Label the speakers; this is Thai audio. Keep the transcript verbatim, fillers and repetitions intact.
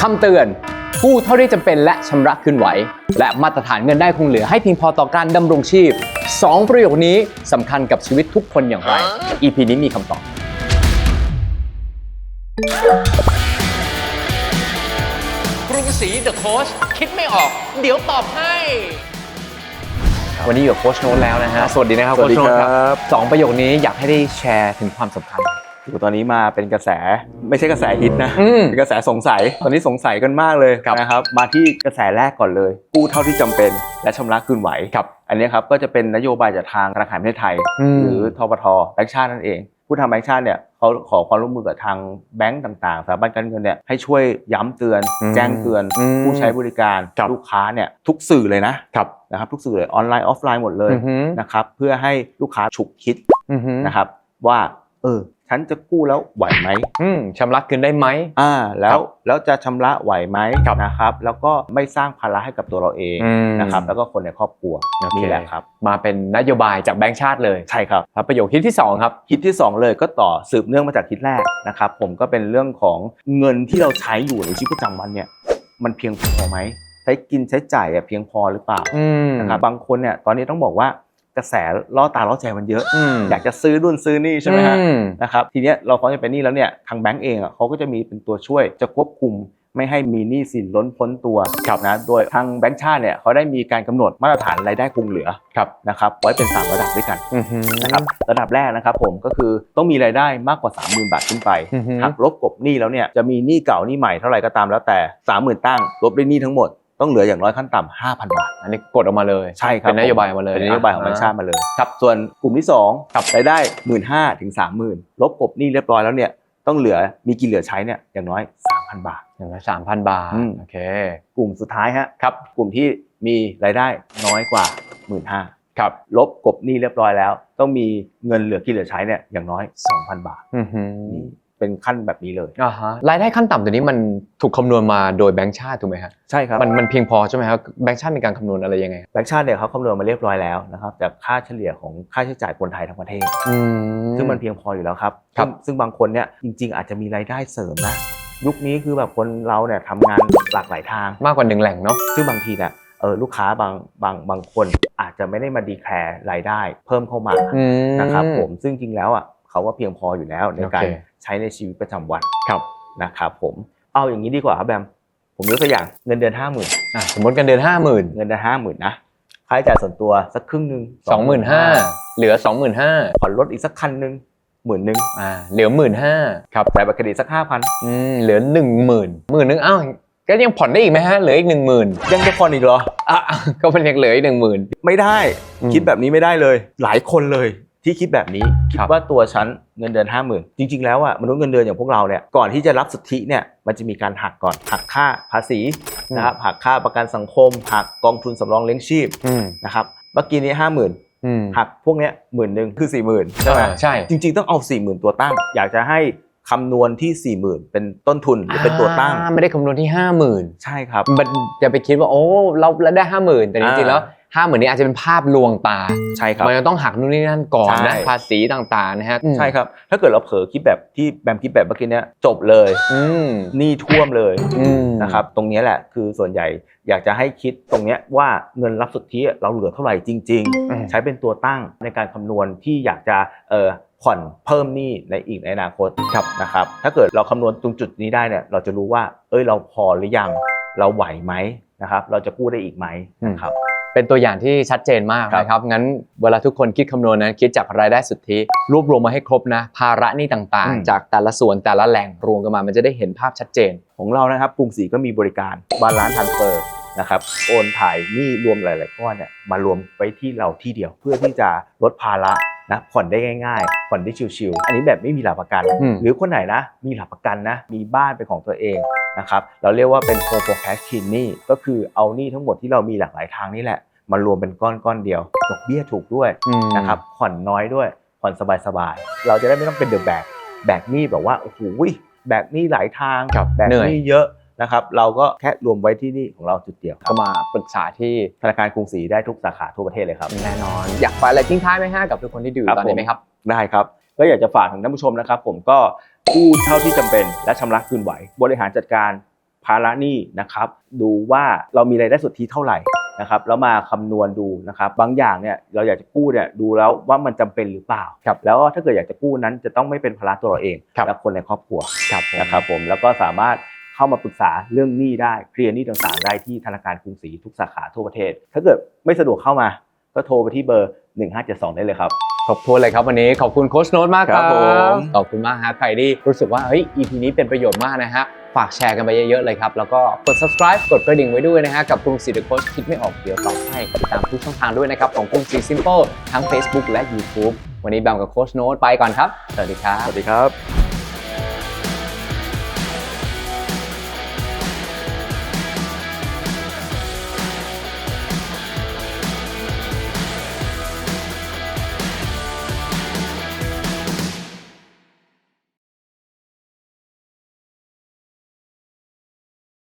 Speaker 1: คำเตือนกู้เท่าที่จำเป็นและชำระคืนไหวและมาตรฐานเงินได้คงเหลือให้เพียงพอต่อการดำรงชีพสองประโยคนี้สำคัญกับชีวิตทุกคนอย่างไร อี พี นี้มีคำตอบกรุงศรีเดอะโค้ชคิดไม่ออกเดี๋ยวตอบให้วันนี้อยู่กับโค้ชโน้ตแล้วนะฮะสวัสดีนะครับโค้ชโน้ตครับสองประโยคนี้อยากให้ได้แชร์ถึงความสำคัญ
Speaker 2: ตอนนี้มาเป็นกระแสไม่ใช่กระแสฮิตนะเป็นกระแสสงสัยตอนนี้สงสัยกันมากเลยนะครับมาที่กระแสแรกก่อนเลยกู้เท่าที่จำเป็นและชำระคืนไหวครับอันนี้ครับก็จะเป็นนโยบายจากทางธนาคารแห่งประเทศไทยหรือทบท.แบงก์ชาตินั่นเองผู้ทำแบงก์ชาติเนี่ยเขาขอความร่วมมือกับทางแบงก์ต่างๆสถาบันการเงินเนี่ยให้ช่วยย้ำเตือนแจ้งเตือนผู้ใช้บริการลูกค้าเนี่ยทุกสื่อเลยนะนะครับทุกสื่อเลยออนไลน์ออฟไลน์หมดเลยนะครับเพื่อให้ลูกค้าฉุกคิดนะครับว่าเออฉันจะกู้แล้วไหวไหม
Speaker 1: ชำระคืนได้ไหม
Speaker 2: อ่าแล้วแล้วจะชำระไหวไหมนะครับแล้วก็ไม่สร้างภาระให้กับตัวเราเองนะครับแล้วก็คนในครอบครัวนี่แหละครับ
Speaker 1: มาเป็นนโยบายจากแบงก์ชาติเลย
Speaker 2: ใช่ครับ
Speaker 1: แล้วประโยคฮิตที่สองครับ
Speaker 2: ฮิตที่สองเลยก็ต่อสืบเนื่องมาจากฮิตแรกนะครับผมก็เป็นเรื่องของเงินที่เราใช้อยู่ในชีวิตประจำวันเนี่ยมันเพียงพอไหมใช้กินใช้จ่ายเพียงพอหรือเปล่านะครับบางคนเนี่ยตอนนี้ต้องบอกว่ากระแสล่อตาล่อใจมันเยอะอยากจะซื้อรุ่นซื้อนี่ใช่ไหมฮะนะครับทีเนี้ยเราพอจะเป็นหนี้แล้วเนี่ยทางแบงก์เองอ่ะเขาก็จะมีเป็นตัวช่วยจะควบคุมไม่ให้มีหนี้สินล้นพ้นตัวนะโดยทางแบงก์ชาติเนี่ยเขาได้มีการกำหนดมาตรฐานรายได้คงเหลือนะครับไว้เป็นสามระดับด้วยกันนะครับระดับแรกนะครับผมก็คือต้องมีรายได้มากกว่า สามหมื่น บาทขึ้นไปหักลบกบหนี้แล้วเนี่ยจะมีหนี้เก่าหนี้ใหม่เท่าไหร่ก็ตามแล้วแต่ สามหมื่น ตั้งลบด้วยหนี้ทั้งหมดต้องเหลืออย่างน้อยขั้นต่ำ ห้าพัน บาท
Speaker 1: อันนี้กดออกมาเลย
Speaker 2: ใช่ครับ
Speaker 1: เป็นนโยบายมาเลย
Speaker 2: เป็นนโยบายของแบงก์ชาติมาเลยครับส่วนกลุ่มที่สองรายได้ หนึ่งหมื่นห้าพัน ถึง สามหมื่น ลบกบหนี้เรียบร้อยแล้วเนี่ยต้องเหลือมีกินเหลือใช้เนี่ยอย่างน้อย สามพัน บาท
Speaker 1: อย่างน้อย สามพัน บาทโอเค
Speaker 2: กลุ่มสุดท้ายฮะครับกลุ่มที่มีรายได้น้อยกว่า หนึ่งหมื่นห้าพัน ครับลบกบหนี้เรียบร้อยแล้วต้องมีเงินเหลือกินเหลือใช้เนี่ยอย่างน้อย สองพัน บาทนี่เป็นขั้นแบบนี้เลย
Speaker 1: อ่าฮะรายได้ขั้นต่ำตัวนี้มันถูกคำนวณมาโดยแบงก์ชาติถูกไหมครับ
Speaker 2: ใช่ครับ
Speaker 1: มันมันเพียงพอใช่ไหมครับแบงก์ชาติมีการคำนวณอะไรยังไง
Speaker 2: แบงก์ชาติเนี่ยเขาคำนวณมาเรียบร้อยแล้วนะครับจากค่าเฉลี่ยของค่าใช้จ่ายคนไทยทั้งประเทศซึ่งมันเพียงพออยู่แล้วครับซึ่งบางคนเนี่ยจริงๆอาจจะมีรายได้เสริมนะยุคนี้คือแบบคนเราเนี่ยทำงานหลากหลายทาง
Speaker 1: มากกว่าหนึ่งแหล่งเนาะ
Speaker 2: ซึ่งบางทีเนี่ยเออลูกค้าบางบางบางคนอาจจะไม่ได้มาดีแคร์รายได้เพิ่มเข้ามานะครับผมซึ่งจริงแล้วอ่ะเขาว่าเพียงพออยู่แล้วในการใช้ในชีวิตประจำวัน
Speaker 1: ครับ
Speaker 2: นะครับผมเอาอย่างนี้ดีกว่าครับแบมผมยกตัวอย่างเงินเดือน ห้าหมื่น
Speaker 1: อ่ะสมมติเงินเดือน ห้าหมื่น
Speaker 2: เงินเดือน ห้าหมื่น นะค่าใช้จ่ายส่วนตัวสักครึ่งนึง
Speaker 1: สองหมื่นห้าพัน เหลือ สองหมื่นห้าพัน
Speaker 2: ผ่อนรถอีกสักคันนึง หมื่น นึง
Speaker 1: อ่าเหลือ หนึ่งหมื่นห้าพัน
Speaker 2: ครับจ่ายบัตรเครดิตสัก ห้าพัน
Speaker 1: อืมเหลือ หนึ่งหมื่น หมื่นนึงอ้าวก็ยังผ่อนได้อีกไหมฮะเหลืออีก หนึ่งหมื่น
Speaker 2: ยังจะผ่อนอีกเหรอ
Speaker 1: อ่ะก็เป็นยังเหลืออีก หนึ่งหมื่น
Speaker 2: ไม่ได้คิดแบบนี้ไม่ได้เลยหลายคนเลยที่คิดแบบนี้คิดว่าตัวฉันเงินเดือน ห้าหมื่น จริงๆแล้วอ่ะมนุษย์เงินเดือนอย่างพวกเราเนี่ยก่อนที่จะรับสิทธิเนี่ยมันจะมีการหักก่อนหักค่าภาษีนะครับหักค่าประกันสังคมหักกองทุนสำรองเลี้ยงชีพนะครับเมื่อกี้นี้ ห้าหมื่น หักพวกเนี้ยหมื่นนึงคือ สี่หมื่น ใช่ไหม
Speaker 1: ใช่
Speaker 2: จริงๆต้องเอา สี่หมื่น ตัวตั้งอยากจะให้คำนวณที่ สี่หมื่น เป็นต้นทุนหรือเป็นตัวตั้ง
Speaker 1: ไม่ได้คำนวณที่ ห้าหมื่น
Speaker 2: ใช่ครับ
Speaker 1: มันจะไปคิดว่าโอ้เราได้ ห้าหมื่น แต่จริงๆแล้วห้าหมื่นนี้อาจจะเป็นภาพลวงตา
Speaker 2: ใช่ครับ
Speaker 1: มันจะต้องหักนู่นนี่นั่นก่อนนะภาษีต่างๆนะฮะ
Speaker 2: ใช่ครับถ้าเกิดเราเผลอคิดแบบที่แบมคิดแบบเมื่อกี้เนี้ยจบเลยหนี้ท่วมเลยนะครับตรงนี้แหละคือส่วนใหญ่อยากจะให้คิดตรงนี้ว่าเงินรับสุทธิเราเหลือเท่าไหร่จริงๆใช้เป็นตัวตั้งในการคำนวณที่อยากจะเอ่อผ่อนเพิ่มหนี้ในอีกในอนาคตนะครับถ้าเกิดเราคำนวณตรงจุดนี้ได้เนี่ยเราจะรู้ว่าเอ้ยเราพอหรือยังเราไหวไหมนะครับเราจะกู้ได้อีกไหมนะครับ
Speaker 1: เป็นตัวอย่างที่ชัดเจนมากนะครับงั้นเวลาทุกคนคิดคำนวณนะคิดจากรายได้สุทธิรวบรวมมาให้ครบนะภาระหนี้ต่างๆจากแต่ละส่วนแต่ละแหล่งรวมกันมามันจะได้เห็นภาพชัดเจน
Speaker 2: ของเรานะครับกรุงศรีก็มีบริการบาลานซ์ทรานสเฟอร์นะครับโอนถ่ายหนี้รวมหลายๆก้อนเนี่ยมารวมไว้ที่เราที่เดียวเพื่อที่จะลดภาระนะผ่อนได้ง่ายๆผ่อนได้ชิวๆอันนี้แบบไม่มีหลักประกันหรือคนไหนนะมีหลักประกันนะมีบ้านเป็นของตัวเองนะครับเราเรียกว่าเป็น Home Cash Clean หนี้ก็คือเอาหนี้ทั้งหมดที่เรามีหลากหลายทางนี่แหละมารวมเป็นก้อนก้อนเดียวดอกเบี้ยถูกด้วยนะครับผ่อนน้อยด้วยผ่อนสบายๆเราจะได้ไม่ต้องเป็นเดอะแบกแบกหนี้แบบว่าโอ้โหแบกหนี้หลายทางแบกหนี้เยอะนะครับเราก็แค่รวมไว้ที่นี่ของเราจุดเดียว
Speaker 1: ก็มาปรึกษาที่
Speaker 2: ธนาคารกรุงศรีได้ทุกสาขาทั่วประเทศเลยครับ
Speaker 1: แน่นอนอยากฝากอะไรทิ้งท้ายไหมฮะกับทุกคนที่ดูตอนนี้ไหมครับ
Speaker 2: ได้ครับก็อยากจะฝากถึงท่านผู้ชมนะครับผมก็กู้เท่าที่จำเป็นและชำระคืนไหวบริหารจัดการภาระหนี้นะครับดูว่าเรามีรายได้สุทธิเท่าไหร่นะครับแล้วมาคำนวณดูนะครับบางอย่างเนี่ยเราอยากจะกู้เนี่ยดูแล้วว่ามันจำเป็นหรือเปล่าแล้วถ้าเกิดอยากจะกู้นั้นจะต้องไม่เป็นภาระตัวเราเองและคนในครอบครัวนะครับผมแล้วก็สามารถเข้ามาปรึกษาเรื่องหนี้ได้เคลียร์หนี้ต่างๆได้ที่ธนาคารกรุงศรีทุกสาขาทั่วประเทศถ้าเกิดไม่สะดวกเข้ามาก็โทรไปที่เบอร์หนึ่งห้าเจ็ดสองได้เลยครับ
Speaker 1: ครบถ้วนเลยครับวันนี้ขอบคุณโค้ชโน้ตมากครับ
Speaker 2: ผม
Speaker 1: ขอบคุณมากฮะใครที่รู้สึกว่าเฮ้ย อี พี นี้เป็นประโยชน์มากนะฮะฝากแชร์กันไปเยอะๆเลยครับแล้วก็กด subscribe กดกระดิ่งไว้ด้วยนะฮะกับกรุงศรี The Coach คิดไม่ออกเดี๋ยวตอบให้ติดตามทุกช่องทางด้วยนะครับของกรุงศรี Simple ทั้ง Facebook และ YouTube วันนี้แบมกับโค้ชโน้ตไปก่อนครับสวัสดีครับ
Speaker 2: สวัสดีครับ